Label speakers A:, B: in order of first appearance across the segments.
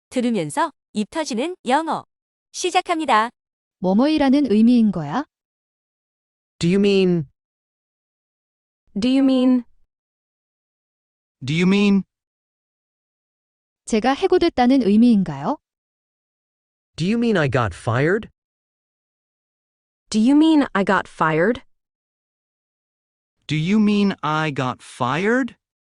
A: 들으면서 입 터지는 영어. 시작합니다.
B: 뭐뭐이라는 의미인 거야?
C: Do you mean?
D: Do you mean?
E: Do you mean?
B: 제가 해고됐다는 의미인가요?
C: Do you mean I got fired?
D: Do you mean I got fired?
E: Do you mean I got fired?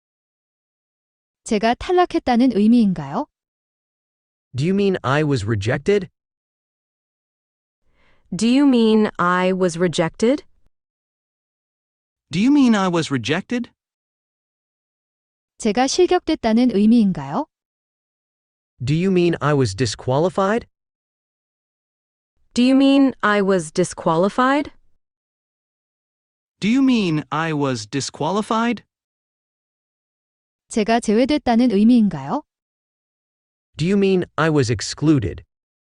B: 제가 탈락했다는 의미인가요?
C: Do you mean I was rejected?
D: Do you mean I was rejected?
E: Do you mean I was rejected?
B: 제가 실격됐다는 의미인가요?
C: Do you mean I was disqualified?
D: Do you mean I was disqualified?
E: Do you mean I was disqualified?
B: 제가 제외됐다는 의미인가요?
C: Do you mean I was excluded?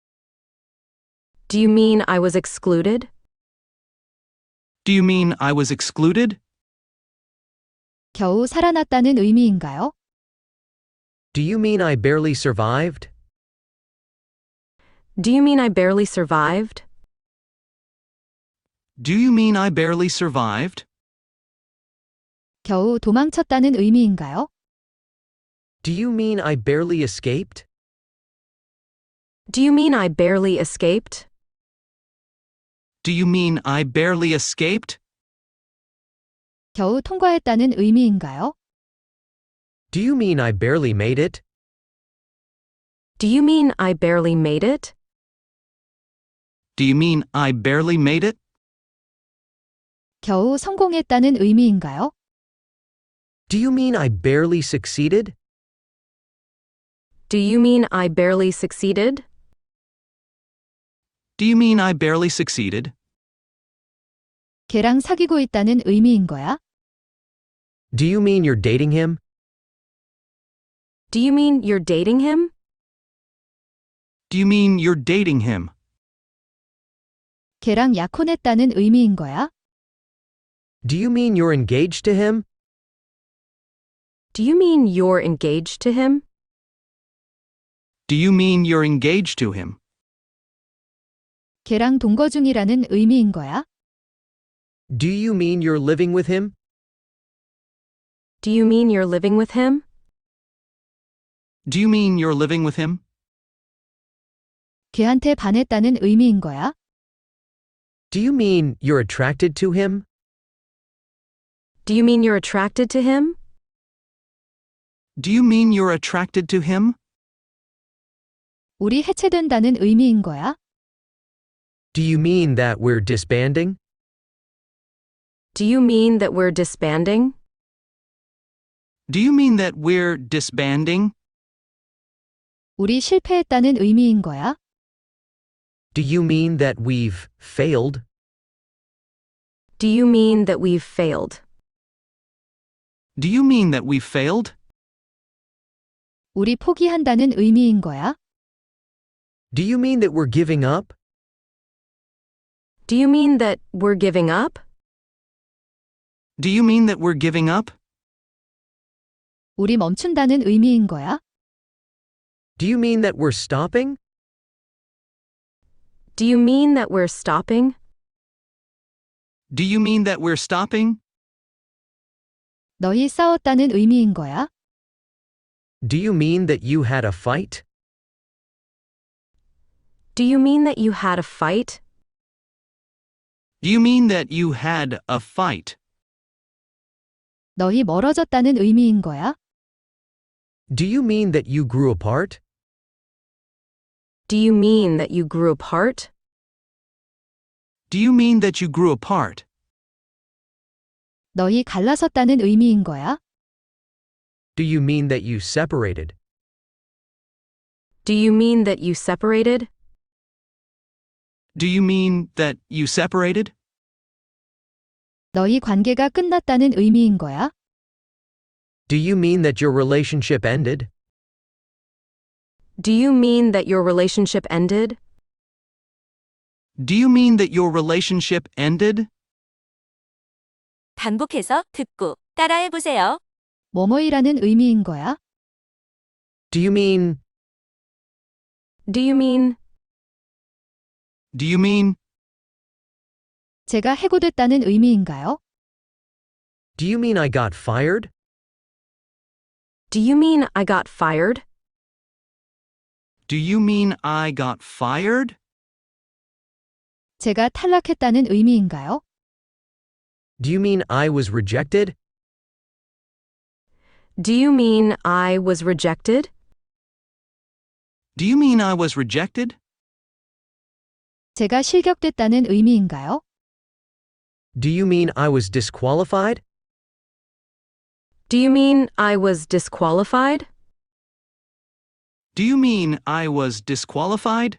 D: Do you mean I was excluded?
E: Do you mean I was excluded?
B: 겨우 살아났다는 의미인가요?
C: Do you mean I barely survived?
D: Do you mean I barely survived?
E: Do you mean I barely survived?
B: 겨우 도망쳤다는 의미인가요?
C: Do you mean I barely escaped?
D: Do you mean I barely escaped?
E: Do you mean I barely escaped?
B: 겨우 통과했다는 의미인가요?
C: Do you mean I barely made it?
D: Do you mean I barely made it?
E: Do you mean I barely made it?
B: 겨우 성공했다는 의미인가요?
C: Do you mean I barely succeeded?
D: Do you mean I barely succeeded?
E: Do you mean I barely succeeded?
B: 걔랑 사귀고 있다는 의미인 거야?
C: Do you mean you're dating him?
D: Do you mean you're dating him?
E: Do you mean you're dating him?
B: 걔랑 약혼했다는 의미인 거야?
C: Do you mean you're engaged to him?
D: Do you mean you're engaged to him?
E: Do you mean you're engaged to him?
B: 걔랑 동거 중이라는 의미인 거야?
C: Do you mean you're living with him?
D: Do you mean you're living with him?
E: Do you mean you're living with him?
B: 걔한테 반했다는 의미인 거야?
C: Do you mean you're attracted to him?
D: Do you mean you're attracted to him?
E: Do you mean you're attracted to him?
B: 우리 해체된다는 의미인 거야?
C: Do you mean that we're disbanding?
D: Do you mean that we're disbanding?
E: Do you mean that we're disbanding?
B: 우리 실패했다는 의미인 거야?
C: Do you mean that we've failed?
D: Do you mean that we've failed?
E: Do you mean that we've failed?
B: 우리 포기한다는 의미인 거야?
C: Do you mean that we're giving up?
D: Do you mean that we're giving up?
E: Do you mean that we're giving up?
B: 우리 멈춘다는 의미인 거야?
C: Do you mean that we're stopping?
D: Do you mean that we're stopping?
E: Do you mean that we're stopping?
B: 너희 싸웠다는 의미인 거야?
C: Do you mean that you had a fight?
D: Do you mean that you had a fight?
E: Do you mean that you had a fight?
B: 너희 멀어졌다는 의미인 거야?
C: Do you mean that you grew apart?
D: Do you mean that you grew apart?
E: Do you mean that you grew apart?
B: 너희 갈라섰다는 의미인 거야?
C: Do you mean that you separated?
D: Do you mean that you separated?
E: Do you mean that you separated?
B: 너희 관계가 끝났다는 의미인 거야?
C: Do you mean that your relationship ended?
D: Do you mean that your relationship ended?
E: Do you mean that your relationship ended?
A: 반복해서 듣고 따라해 보세요.
B: 뭐뭐이라는 의미인 거야?
C: Do you mean
D: Do you mean,
E: Do you mean,
B: 제가 해고됐다는 의미인가요?
C: Do you mean I got fired?
D: do you mean I got fired?
E: do you mean I got fired?
B: 제가 탈락했다는 의미인가요?
C: Do you mean I was rejected?
D: Do you mean I was rejected?
E: Do you mean I was rejected?
B: 제가 실격됐다는 의미인가요?
C: Do you mean I was disqualified?
D: Do you mean I was disqualified?
E: Do you mean I was disqualified?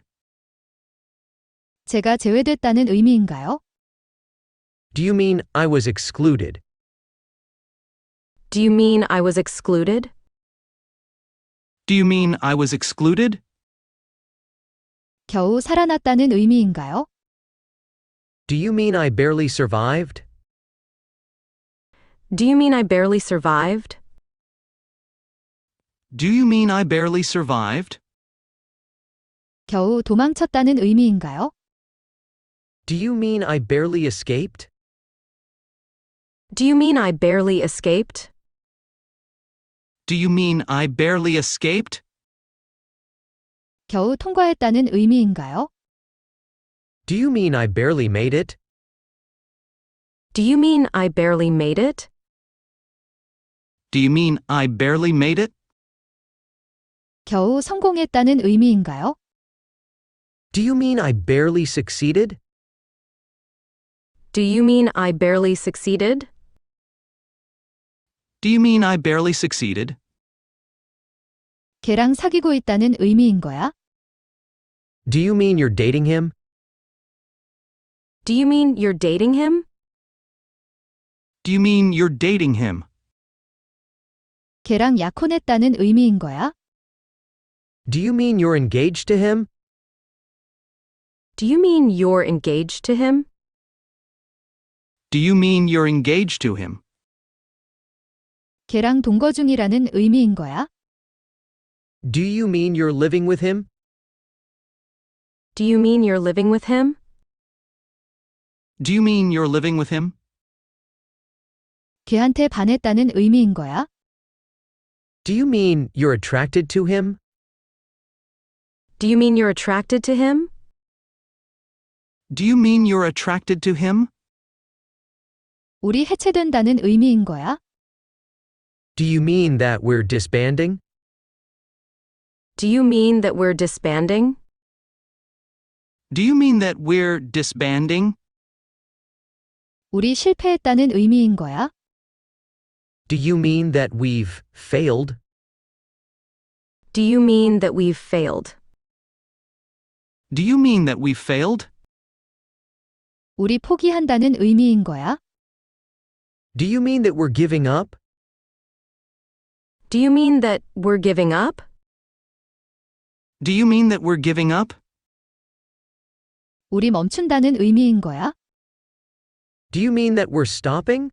B: 제가 제외됐다는 의미인가요?
C: Do you mean I was excluded?
D: Do you mean I was excluded?
E: Do you mean I was excluded?
B: 겨우 살아났다는 의미인가요?
C: Do you mean I barely survived?
D: Do you mean I barely survived?
E: Do you mean I barely survived?
B: 겨우 도망쳤다는 의미인가요?
C: Do you mean I barely escaped?
D: Do you mean I barely escaped?
E: Do you mean I barely escaped?
B: 겨우 통과했다는 의미인가요?
C: Do you mean I barely made it?
D: Do you mean I barely made it?
E: Do you mean I barely made it?
B: 겨우 성공했다는 의미인가요?
C: Do you mean I barely succeeded?
D: Do you mean I barely succeeded?
E: Do you mean I barely succeeded?
B: 걔랑 사귀고 있다는 의미인 거야?
C: Do you mean you're dating him?
D: Do you mean you're dating him?
E: Do you mean you're dating him?
B: 걔랑 약혼했다는 의미인 거야?
C: Do you mean you're engaged to him?
D: Do you mean you're engaged to him?
E: Do you mean you're engaged to him?
B: 걔랑 동거 중이라는 의미인 거야?
C: Do you mean you're living with him?
D: Do you mean you're living with him?
E: Do you mean you're living with him?
B: 걔한테 반했다는 의미인 거야?
C: Do you mean you're attracted to him?
D: Do you mean you're attracted to him?
E: Do you mean you're attracted to him?
B: 우리 해체된다는 의미인 거야?
C: Do you mean that we're disbanding?
D: Do you mean that we're disbanding?
E: Do you mean that we're disbanding?
B: 우리 실패했다는 의미인 거야?
C: Do you mean that we've failed?
D: Do you mean that we've failed?
E: Do you mean that we've failed?
B: 우리 포기한다는 의미인 거야?
C: Do you mean that we're giving up?
D: Do you mean that we're giving up?
E: Do you mean that we're giving up?
B: 우리 멈춘다는 의미인 거야?
C: Do you mean that we're stopping?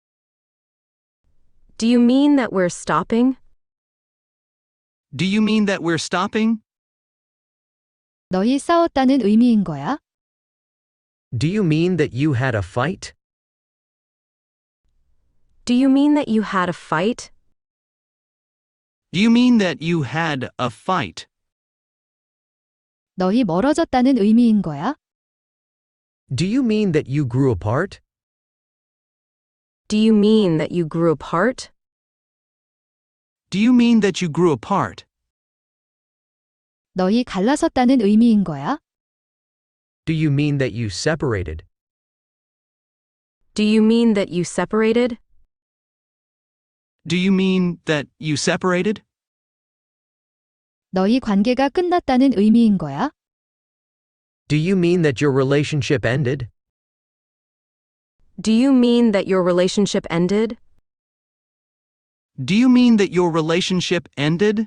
D: Do you mean that we're stopping?
E: Do you mean that we're stopping?
B: 너희 싸웠다는 의미인 거야?
C: Do you mean that you had a fight?
D: Do you mean that you had a fight?
E: Do you mean that you had a fight?
B: 너희 멀어졌다는 의미인 거야?
C: Do you mean that you grew apart?
D: Do you mean that you grew apart?
E: Do you mean that you grew apart?
B: 너희 갈라섰다는 의미인 거야?
C: Do you mean that you separated?
D: Do you mean that you separated?
E: Do you mean that you separated?
B: 너희 관계가 끝났다는 의미인 거야?
C: Do you mean that your relationship ended?
D: Do you mean that your relationship ended?
E: Do you mean that your relationship ended?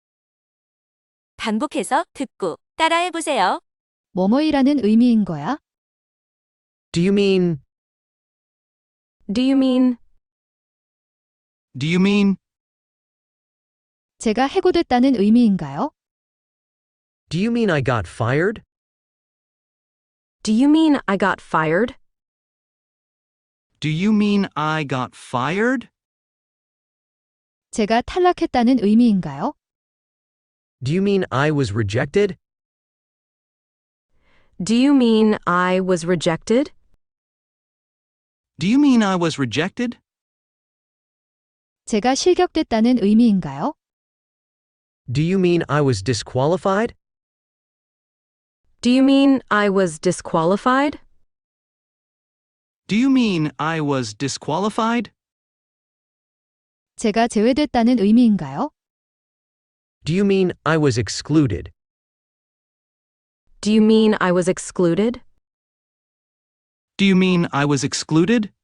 A: 반복해서 듣고 따라해 보세요.
B: 뭐뭐이라는 의미인 거야?
C: Do you mean
D: Do you mean
E: Do you mean
B: 제가 해고됐다는 의미인가요?
C: Do you mean I got fired?
D: Do you mean I got fired?
E: Do you mean I got fired?
B: 제가 탈락했다는 의미인가요?
C: Do you mean I was rejected?
D: Do you mean I was rejected?
E: Do you mean I was rejected?
B: 제가 실격됐다는 의미인가요?
C: Do you mean I was disqualified?
D: Do you mean I was disqualified?
E: Do you mean I was disqualified?
B: 제가 제외됐다는 의미인가요?
C: Do you mean I was excluded?
D: Do you mean I was excluded?
E: Do you mean I was excluded?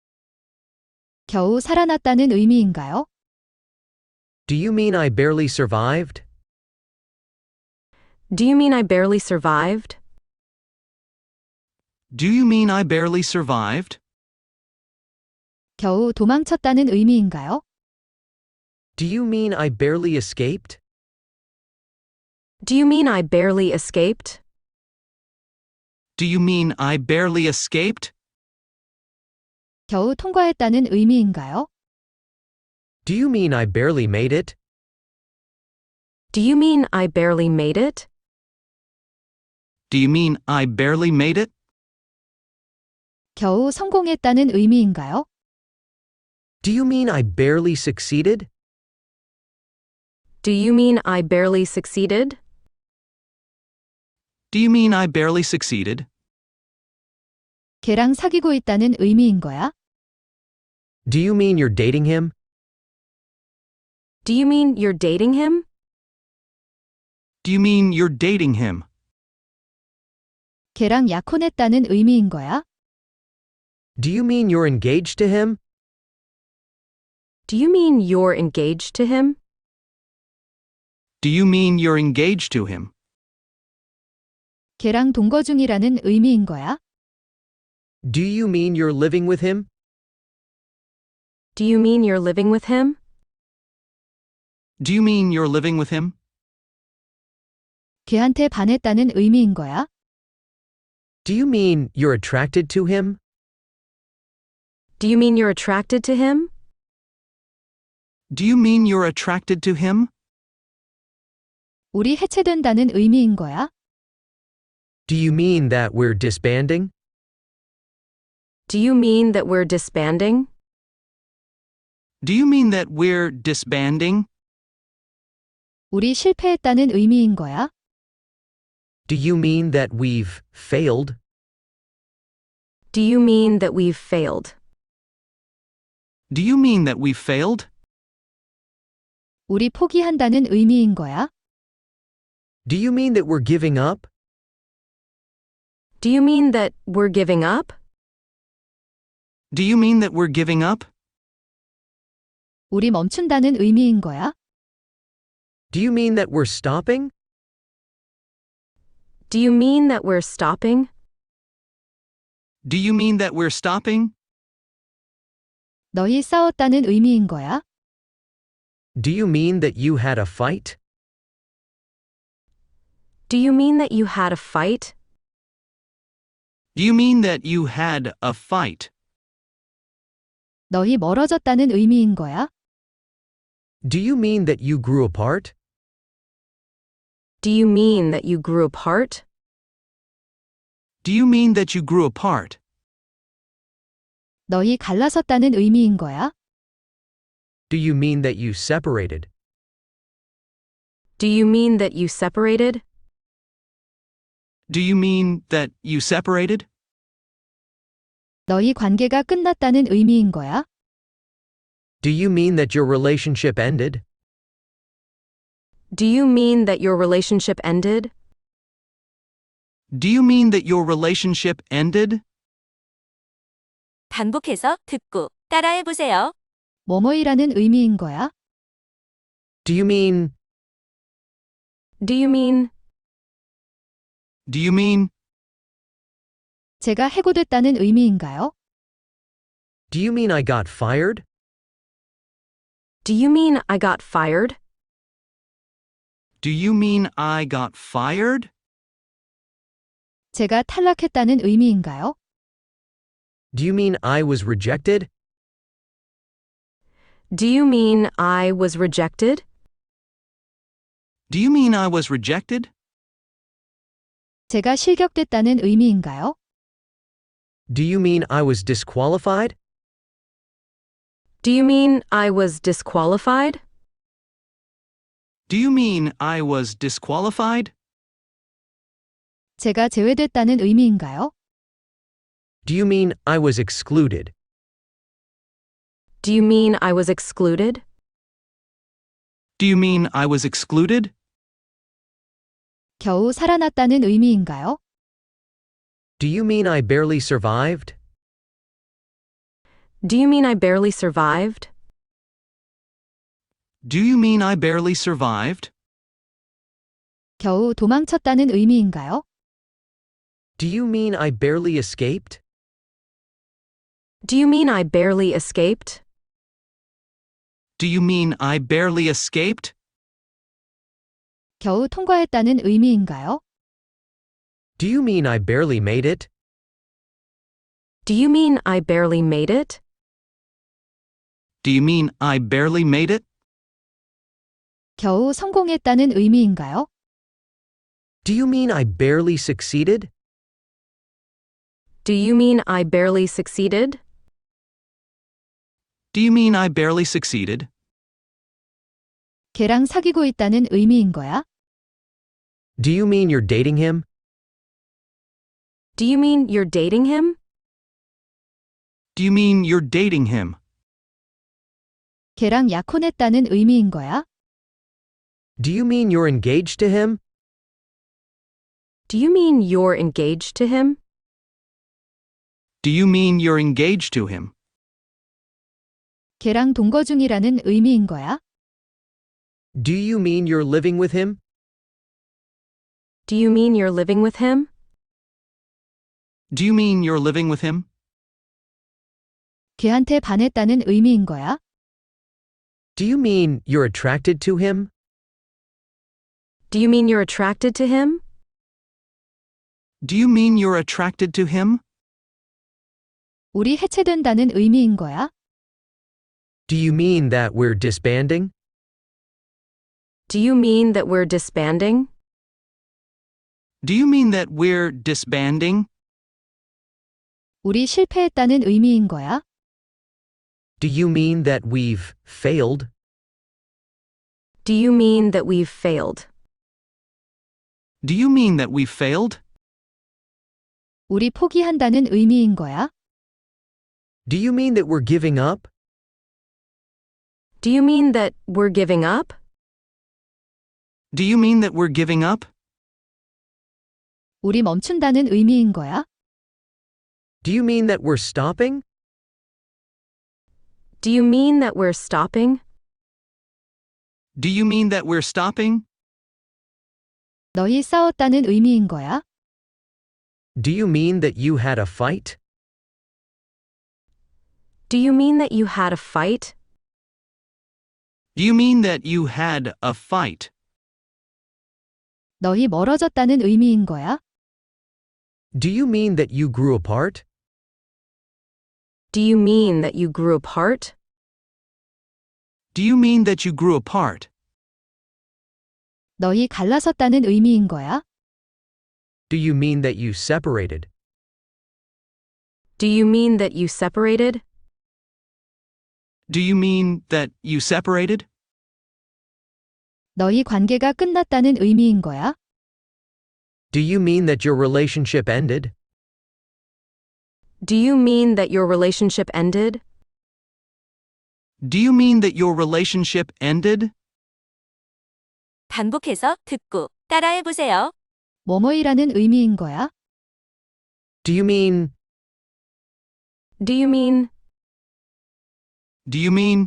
B: 겨우 살아났다는 의미인가요?
C: Do you mean I barely survived?
D: Do you mean I barely survived?
E: Do you mean I barely survived?
B: 겨우 도망쳤다는 의미인가요?
C: Do you mean I barely escaped?
D: Do you mean I barely escaped?
E: Do you mean I barely escaped?
B: 겨우 통과했다는 의미인가요?
C: Do you mean I barely made it?
D: Do you mean I barely made it?
E: Do you mean I barely made it?
B: 겨우 성공했다는 의미인가요?
C: Do you mean I barely succeeded?
D: Do you mean I barely succeeded?
E: Do you mean I barely succeeded?
B: 걔랑 사귀고 있다는 의미인 거야?
C: Do you mean you're dating him?
D: Do you mean you're dating him?
E: Do you mean you're dating him?
B: 걔랑 약혼했다는 의미인 거야?
C: Do you mean you're engaged to him?
D: Do you mean you're engaged to him?
E: Do you mean you're engaged to him?
B: 걔랑 동거 중이라는 의미인 거야?
C: Do you mean you're living with him?
D: Do you mean you're living with him?
E: Do you mean you're living with him?
B: 걔한테 반했다는 의미인 거야?
C: Do you mean you're attracted to him?
D: Do you mean you're attracted to him?
E: Do you mean you're attracted to him?
B: 우리 해체된다는 의미인 거야?
C: Do you mean that we're disbanding?
D: Do you mean that we're disbanding?
E: Do you mean that we're disbanding?
B: 우리 실패했다는 의미인 거야?
C: Do you mean that we've failed?
D: Do you mean that we've failed?
E: Do you mean that we've failed?
B: 우리 포기한다는 의미인 거야?
C: Do you mean that we're giving up?
D: Do you mean that we're giving up?
E: Do you mean that we're giving up?
B: 우리 멈춘다는 의미인 거야?
C: Do you mean that we're stopping?
D: Do you mean that we're stopping?
E: Do you mean that we're stopping?
B: 너희 싸웠다는 의미인 거야?
C: Do you mean that you had a fight?
D: Do you mean that you had a fight?
E: Do you mean that you had a fight?
B: 너희 멀어졌다는 의미인 거야?
C: Do you mean that you grew apart?
D: Do you mean that you grew apart?
E: Do you mean that you grew apart?
B: 너희 갈라섰다는 의미인 거야?
C: Do you mean that you separated?
D: Do you mean that you separated?
E: Do you mean that you separated?
B: 너희 관계가 끝났다는 의미인 거야?
C: Do you mean that your relationship ended?
D: Do you mean that your relationship ended?
E: Do you mean that your relationship ended?
A: 반복해서 듣고 따라해 보세요.
B: 뭐뭐이라는 의미인 거야?
C: Do you mean
D: Do you mean
E: Do you mean
B: 제가 해고됐다는 의미인가요?
C: Do you mean I got fired?
D: Do you mean I got fired?
E: Do you mean I got fired?
B: 제가 탈락했다는 의미인가요?
C: Do you mean I was rejected?
D: Do you mean I was rejected?
E: Do you mean I was rejected?
B: 제가 실격됐다는 의미인가요?
C: Do you mean I was disqualified?
D: Do you mean I was disqualified?
E: Do you mean I was disqualified?
B: 제가 제외됐다는 의미인가요?
C: Do you mean I was excluded?
D: Do you mean I was excluded?
E: Do you mean I was excluded?
B: 겨우 살아났다는 의미인가요?
C: Do you mean I barely survived?
D: Do you mean I barely survived?
E: Do you mean I barely survived?
B: 겨우 도망쳤다는 의미인가요?
C: Do you mean I barely escaped?
D: Do you mean I barely escaped?
E: Do you mean I barely escaped?
B: 겨우 통과했다는 의미인가요?
C: Do you mean I barely made it?
D: Do you mean I barely made it?
E: Do you mean I barely made it?
B: 겨우 성공했다는 의미인가요?
C: Do you mean I barely succeeded?
D: Do you mean I barely succeeded?
E: Do you mean I barely succeeded?
B: 걔랑 사귀고 있다는 의미인 거야?
C: Do you mean you're dating him?
D: Do you mean you're dating him?
E: Do you mean you're dating him?
B: 걔랑 약혼했다는 의미인 거야?
C: Do you mean you're engaged to him?
D: Do you mean you're engaged to him?
E: Do you mean you're engaged to him?
B: 걔랑 동거 중이라는 의미인 거야?
C: Do you mean you're living with him?
D: Do you mean you're living with him?
E: Do you mean you're living with him?
B: 걔한테 반했다는 의미인 거야?
C: Do you mean you're attracted to him?
D: Do you mean you're attracted to him?
E: Do you mean you're attracted to him?
B: 우리 해체된다는 의미인 거야?
C: Do you mean that we're disbanding?
D: Do you mean that we're disbanding?
E: Do you mean that we're disbanding?
B: 우리 실패했다는 의미인 거야?
C: Do you mean that we've failed?
D: Do you mean that we've failed?
E: Do you mean that we've failed?
B: 우리 포기한다는 의미인 거야?
C: Do you mean that we're giving up?
D: Do you mean that we're giving up?
E: Do you mean that we're giving up?
B: 우리 멈춘다는 의미인 거야?
C: Do you mean that we're stopping?
D: Do you mean that we're stopping?
E: Do you mean that we're stopping?
B: 너희 싸웠다는 의미인 거야?
C: Do you mean that you had a fight?
D: Do you mean that you had a fight?
E: Do you mean that you had a fight?
B: 너희 멀어졌다는 의미인 거야?
C: Do you mean that you grew apart?
D: Do you mean that you grew apart?
E: Do you mean that you grew apart?
B: 너희 갈라섰다는 의미인 거야?
C: Do you mean that you separated?
D: Do you mean that you separated?
E: Do you mean that you separated?
B: 너희 관계가 끝났다는 의미인 거야?
C: Do you mean that your relationship ended?
D: Do you mean that your relationship ended?
E: Do you mean that your relationship ended?
A: 반복해서 듣고 따라해보세요.
B: 뭐뭐이라는 의미인 거야?
C: Do you mean
D: Do you mean
E: Do you mean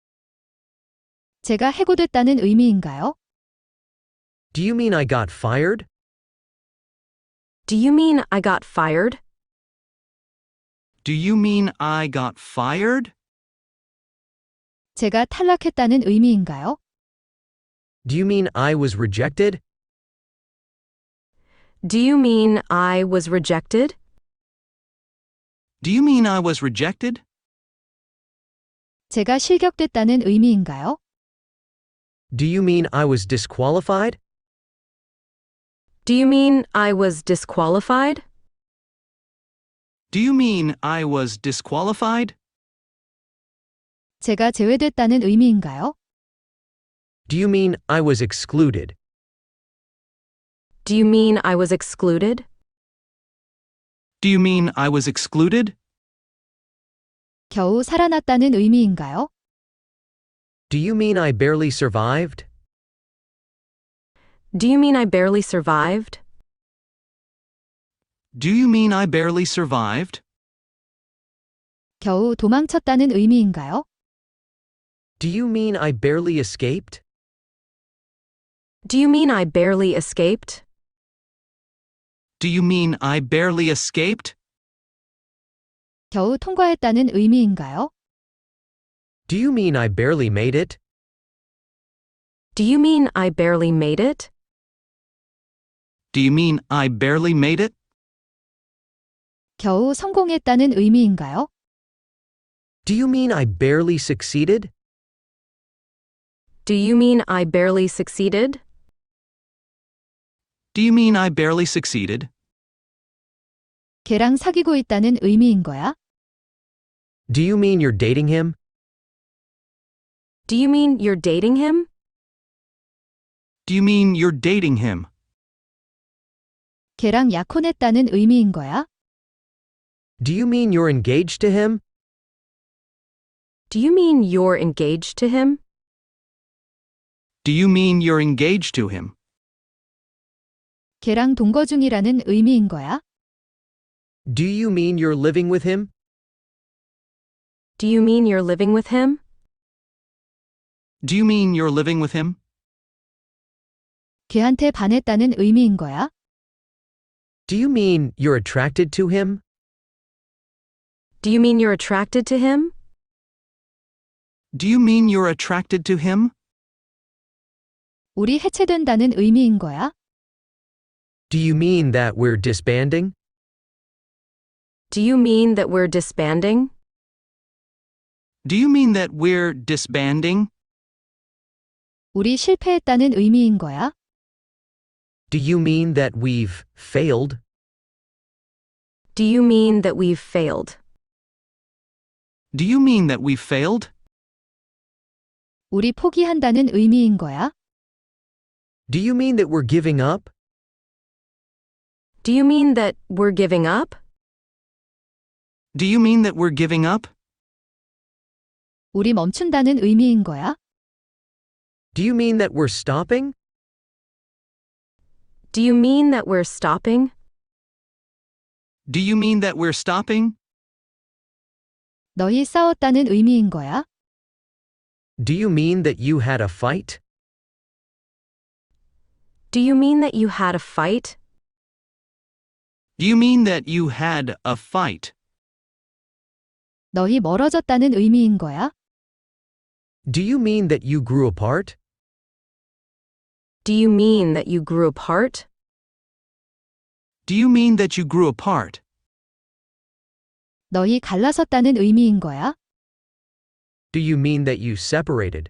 B: 제가 해고됐다는 의미인가요?
C: Do you mean I got fired?
D: Do you mean I got fired?
E: Do you mean I got fired?
B: 제가 탈락했다는 의미인가요?
C: Do you mean I was rejected?
D: Do you mean I was rejected?
E: Do you mean I was rejected?
B: 제가 실격됐다는 의미인가요?
C: Do you mean I was disqualified?
D: Do you mean I was disqualified?
E: Do you mean I was disqualified?
B: 제가 제외됐다는 의미인가요?
C: Do you mean I was excluded?
D: Do you mean I was excluded?
E: Do you mean I was excluded?
B: 겨우 살아났다는 의미인가요?
C: Do you mean I barely survived?
D: Do you mean I barely survived?
E: Do you mean I barely survived?
B: 겨우 도망쳤다는 의미인가요?
C: Do you mean I barely escaped?
D: Do you mean I barely escaped?
E: Do you mean I barely escaped?
B: 겨우 통과했다는 의미인가요?
C: Do you mean I barely made it?
D: Do you mean I barely made it?
E: Do you mean I barely made it?
B: 겨우 성공했다는 의미인가요?
C: Do you mean I barely succeeded?
D: Do you mean I barely succeeded?
E: Do you mean I barely succeeded?
B: 걔랑 사귀고 있다는 의미인 거야?
C: Do you mean you're dating him?
D: Do you mean you're dating him?
E: Do you mean you're dating him?
B: 걔랑 약혼했다는 의미인 거야?
C: Do you mean you're engaged to him?
D: Do you mean you're engaged to him?
E: Do you mean you're engaged to him?
B: 걔랑 동거 중이라는 의미인 거야?
C: Do you mean you're living with him?
D: Do you mean you're living with him?
E: Do you mean you're living with him?
B: 걔한테 반했다는 의미인 거야?
C: Do you mean you're attracted to him?
D: Do you mean you're attracted to him?
E: Do you mean you're attracted to him?
B: 우리 해체된다는 의미인 거야?
C: Do you mean that we're disbanding?
D: Do you mean that we're disbanding?
E: Do you mean that we're disbanding?
B: 우리 실패했다는 의미인 거야?
C: Do you mean that we've failed?
D: Do you mean that we've failed?
E: Do you mean that we've failed?
B: 우리 포기한다는 의미인 거야?
C: Do you mean that we're giving up?
D: Do you mean that we're giving up?
E: Do you mean that we're giving up?
B: 우리 멈춘다는 의미인 거야?
C: Do you mean that we're stopping?
D: Do you mean that we're stopping?
E: Do you mean that we're stopping?
B: 너희 싸웠다는 의미인 거야?
C: Do you mean that you had a fight?
D: Do you mean that you had a fight?
E: Do you mean that you had a fight?
B: 너희 멀어졌다는 의미인 거야?
C: Do you mean that you grew apart?
D: Do you mean that you grew apart?
E: Do you mean that you grew apart?
B: 너희 갈라섰다는 의미인 거야?
C: Do you mean that you separated?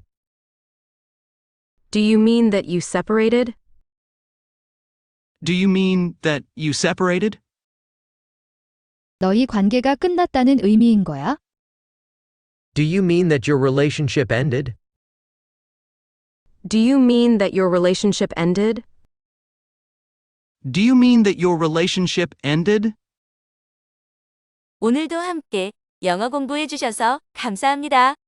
D: Do you mean that you separated?
E: Do you mean that you separated?
B: 너희 관계가 끝났다는 의미인 거야?
C: Do you mean that your relationship ended?
D: Do you mean that your relationship ended?
E: Do you mean that your relationship ended?
A: 오늘도 함께 영어 공부해 주셔서 감사합니다.